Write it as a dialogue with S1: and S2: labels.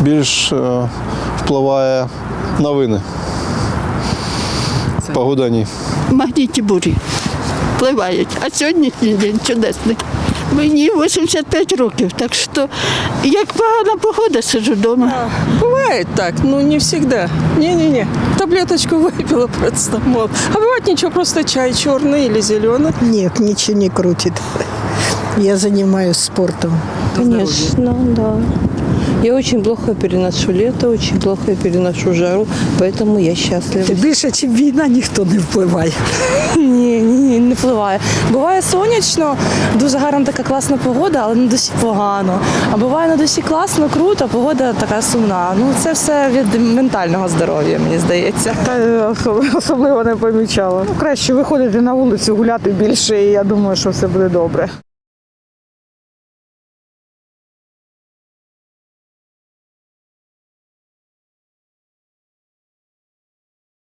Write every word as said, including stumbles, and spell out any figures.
S1: більш е, впливає новини. Погода ні.
S2: Магнітні бурі впливають, а сьогоднішній день чудесний. Мені вісімдесят п'ять років, так що як погана погода, сиджу вдома.
S3: Бывает так, но не всегда. Не-не-не. Таблеточку выпила парацетамол. А бывает ничего, просто чай черный или зеленый.
S4: Нет, ничего не крутит. Я занимаюсь спортом.
S5: Конечно, да. Я очень плохо переношу лето, очень плохо переношу жару, поэтому я счастлива.
S4: Більше, ніж війна, ніхто не впливає.
S5: Ні, ні, не впливає. Буває сонячно, дуже гарна така класна погода, але на душі погано. А буває на душі класно, круто, погода така сумна. Ну це все від ментального здоров'я, мені здається.
S6: Та особливо не помічала. Ну, краще виходити на вулицю, гуляти більше, і я думаю, що все буде добре.